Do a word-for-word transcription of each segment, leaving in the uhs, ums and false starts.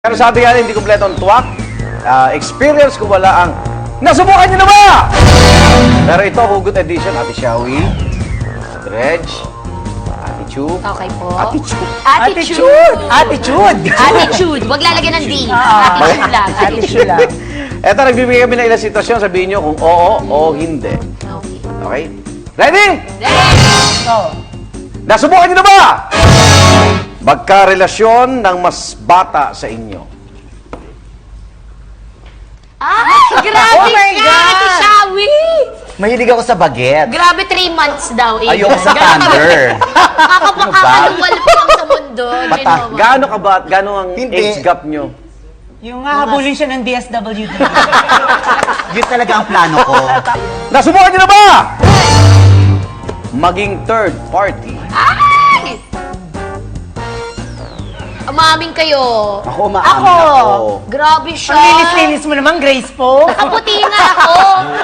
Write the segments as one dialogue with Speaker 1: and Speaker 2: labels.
Speaker 1: Pero sabi nga, hindi kompleto ang tuwak. Uh, experience ko wala ang nasubukan nyo na ba? Pero ito, Hugot Edition, Ate Shawi, Ate Reg, Ate Chu.
Speaker 2: Okay po.
Speaker 1: Ate Chu.
Speaker 2: Attitude!
Speaker 3: Attitude!
Speaker 2: Attitude! Huwag lalagyan ng D.
Speaker 3: Ah,
Speaker 2: Attitude lang.
Speaker 3: Attitude lang.
Speaker 1: Ito, nagbibigay kami ng ilang sitwasyon. Sabihin nyo kung oo o hindi.
Speaker 2: Okay.
Speaker 1: Okay? Ready?
Speaker 3: So,
Speaker 1: Nasubukan nyo na ba? Magkarelasyon ng mas bata sa inyo.
Speaker 2: Ay, grabe
Speaker 3: Oh my
Speaker 2: ka,
Speaker 3: God!
Speaker 2: Ate Shawi!
Speaker 4: Mahilig ako sa baget.
Speaker 2: Grabe, three months daw. Eh.
Speaker 4: Ayoko sa thunder.
Speaker 2: Kakapakakalunwal pa lang sa mundo.
Speaker 4: Bata-
Speaker 2: Ginawa.
Speaker 1: Gaano ka ba? Gaano ang
Speaker 4: Hindi.
Speaker 1: age gap nyo?
Speaker 3: yung hahabulin siya ng D S W D.
Speaker 4: Yun talaga ang plano ko.
Speaker 1: Nasubukan nyo na ba? Maging third party.
Speaker 2: Ay! Umaming kayo.
Speaker 4: Ako umaamin
Speaker 3: Ako.
Speaker 4: ako.
Speaker 2: Grabe siya.
Speaker 3: Ang linis-linis mo naman, Grace po.
Speaker 2: Nakaputi nga ako.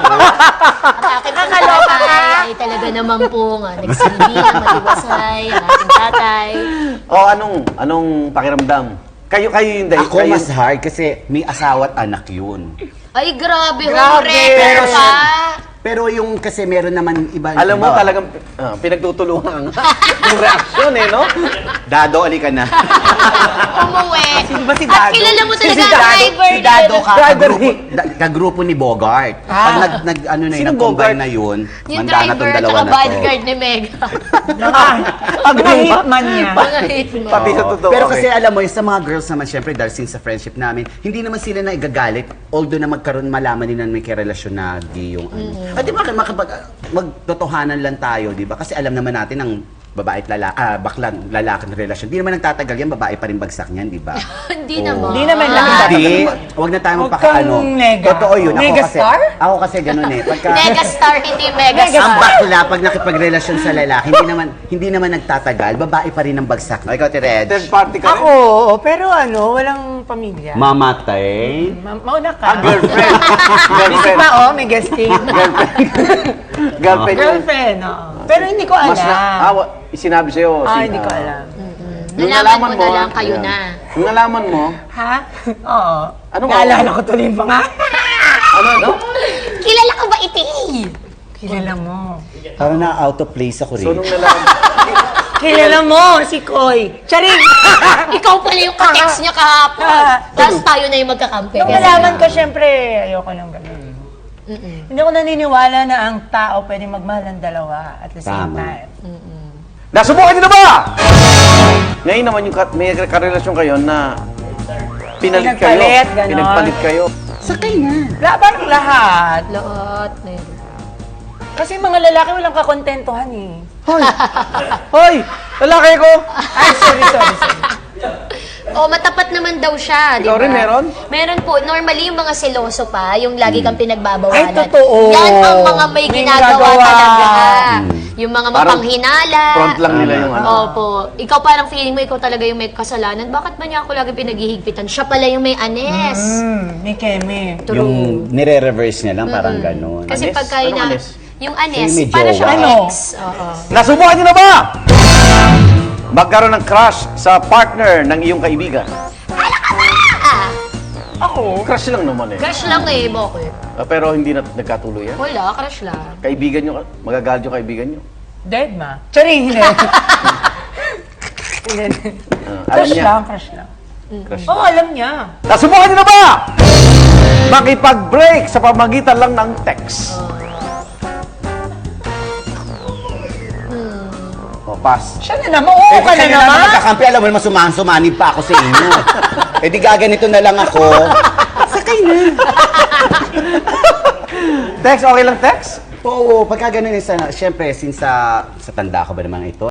Speaker 2: At akin pong tatay ay talaga naman po nga. Nagsilbi na matiwasay ang ating tatay.
Speaker 1: O anong anong pakiramdam? Kayo kayo yung dahil.
Speaker 4: Ako
Speaker 1: kayo,
Speaker 4: mas hard kasi may asawa at anak yun.
Speaker 2: Ay, grabe.
Speaker 3: Grabe.
Speaker 2: Homewrecker
Speaker 4: Pero
Speaker 2: pa.
Speaker 4: Pero yung kasi meron naman iba.
Speaker 1: alam mo
Speaker 4: iba.
Speaker 1: talagang ah, pinagtutulungan yung reaksyon eh, no?
Speaker 4: Dado, ali ka na.
Speaker 2: Umuwi.
Speaker 3: Sino ba si
Speaker 2: At
Speaker 3: Dado?
Speaker 2: kilala mo
Speaker 4: Si-
Speaker 2: talaga
Speaker 4: si
Speaker 2: ang
Speaker 4: Dado,
Speaker 2: driver
Speaker 4: si Dado
Speaker 2: nila.
Speaker 4: ka,
Speaker 1: Driver
Speaker 4: kagrupo, da- kagrupo ni Bogart. Pag
Speaker 3: Ah.
Speaker 4: nag, nag ano na yun,
Speaker 1: Sino
Speaker 4: nag-combine
Speaker 1: Bogart?
Speaker 4: na yun,
Speaker 2: Yung
Speaker 4: manda na
Speaker 2: driver
Speaker 4: tong
Speaker 2: at
Speaker 4: dalawa
Speaker 2: saka
Speaker 4: na to.
Speaker 2: bodyguard ni Meg.
Speaker 3: Mga, mga hitman niya.
Speaker 2: Mga hitman.
Speaker 1: Pati sa
Speaker 4: Oo.
Speaker 1: totoo.
Speaker 4: Pero
Speaker 1: okay.
Speaker 4: kasi alam mo, yung sa mga girls naman, syempre, dahil since sa friendship namin, hindi naman sila na igagalit, although na magkaroon, malaman nila na may karelasyon na gay yung ano. At di ba, makapag, magtotohanan lang tayo, di ba? Kasi alam naman natin ang babae at lalaki, ah, baklan, lalaki na relasyon. Di naman nagtatagal yan, babae pa rin bagsak niyan, di ba?
Speaker 2: Hindi
Speaker 4: Oo.
Speaker 2: naman.
Speaker 3: Hindi naman lang.
Speaker 4: Hindi. Huwag na tayo
Speaker 3: Huwag
Speaker 4: magpakaano.
Speaker 3: kang nega.
Speaker 4: Totoo yun. Ako
Speaker 3: Megastar?
Speaker 4: kasi, ako kasi ganun eh. Pagka,
Speaker 2: Megastar, hindi
Speaker 4: ang
Speaker 2: megastar.
Speaker 4: bakla, pag nakipagrelasyon sa lalaki, hindi naman hindi naman nagtatagal, babae pa rin ang bagsak. O, ikaw, Tireg.
Speaker 1: Third party ka rin?
Speaker 3: Ako, oo, pero ano, walang pamilya.
Speaker 4: Mamatay.
Speaker 3: Ma- mauna
Speaker 1: Ah,
Speaker 3: ka.
Speaker 1: girlfriend.
Speaker 3: Busy
Speaker 1: girlfriend.
Speaker 3: pa, oh, may guesting.
Speaker 1: Girlfriend yung
Speaker 3: Girlfriend, oo. Pero hindi ko alam.
Speaker 1: mas na, ah, wa- sinabi sa'yo.
Speaker 3: Ah,
Speaker 1: sin-
Speaker 3: hindi ko
Speaker 1: ah,
Speaker 3: alam.
Speaker 1: Nung
Speaker 2: Nalaman mo na lang, kayo
Speaker 1: ayan.
Speaker 2: na.
Speaker 1: Nung nalaman mo,
Speaker 3: Ha? Oo.
Speaker 1: Anong
Speaker 3: Naalala
Speaker 1: oo?
Speaker 3: ko tuloy yung mga.
Speaker 1: ano, ano?
Speaker 2: Kilala ka ba iti?
Speaker 3: Kilala mo.
Speaker 4: Parang na out of place ako
Speaker 1: So,
Speaker 4: rin.
Speaker 1: nung nalaman,
Speaker 3: Kilala mo, si Koy. Charing!
Speaker 2: Ikaw pala yung ka-text niya kahapon.
Speaker 3: Ah.
Speaker 2: Tapos tayo na yung magkakampi.
Speaker 3: Nung nalaman ko, syempre, ayoko nang ganun. Hindi ako naniniwala na ang tao pwede magmahal ng dalawa at the same
Speaker 4: Tama.
Speaker 3: time.
Speaker 1: nasubukan nyo na ba? Ngayon naman yung ka- may karelasyon kayo na pinalit kayo.
Speaker 3: Pinagpalit, ganon.
Speaker 1: Pinagpalit kayo.
Speaker 4: Sakay na.
Speaker 3: Laban lahat.
Speaker 2: Lahat. eh.
Speaker 3: Kasi mga lalaki walang kakontentuhan eh.
Speaker 1: Hoy! Hoy! Lalaki ko!
Speaker 3: Ay, sorry, sorry, sorry.
Speaker 2: Oh, matapat naman daw siya, di
Speaker 1: Ikaw
Speaker 2: ba?
Speaker 1: rin meron?
Speaker 2: Meron po. Normally, yung mga seloso pa, yung lagi kang pinagbabawalan.
Speaker 3: Ay, totoo.
Speaker 2: Yan ang mga may,
Speaker 3: May
Speaker 2: ginagawa
Speaker 3: ginagawa.
Speaker 2: talaga. Yung mga
Speaker 1: Parang
Speaker 2: mapanghinala.
Speaker 1: Front lang nila yung ano.
Speaker 2: Opo. Ikaw parang feeling mo, ikaw talaga yung may kasalanan. Bakit ba niya ako lagi pinaghihigpitan? Siya pala yung may anes.
Speaker 3: Hmm, may keme.
Speaker 2: True.
Speaker 4: Yung nire-reverse niya lang, parang ganun.
Speaker 2: Kasi
Speaker 1: Anes?
Speaker 2: pagka
Speaker 1: Anong
Speaker 2: ina...
Speaker 1: anes?
Speaker 2: Yung anes,
Speaker 4: Yung may
Speaker 2: para
Speaker 4: jowa.
Speaker 2: siyang
Speaker 3: Ano?
Speaker 2: ex. Oo.
Speaker 1: Nasubukan nyo na ba? Magkaroon ng crush sa partner ng iyong kaibigan.
Speaker 2: Ah,
Speaker 3: Ako?
Speaker 1: Crush lang naman eh.
Speaker 2: crush lang eh, bakit?
Speaker 1: Ah, pero hindi na nagkatuloy yan.
Speaker 2: Wala, crush lang.
Speaker 1: Kaibigan nyo, magagalit yung kaibigan nyo.
Speaker 3: Dead ma. Charing, hindi. Hindi.
Speaker 1: Ah, alam
Speaker 3: Crush
Speaker 1: niya.
Speaker 3: lang, crush lang.
Speaker 1: Crush.
Speaker 3: Oo, oh, alam niya.
Speaker 1: Nasubukan nyo na ba? Makipag-break sa pamagitan lang ng text. O, pass.
Speaker 3: Siya na naman, oo ka na
Speaker 4: kasi
Speaker 3: naman.
Speaker 4: magkakampi, alam mo naman, sumahan-sumanib pa ako sa inyo. eh di gaganito na lang ako. Sakay na.
Speaker 1: Text, okay lang text?
Speaker 4: Oo, pagka ganun, isa, syempre, since sa, sa tanda ko ba naman ito,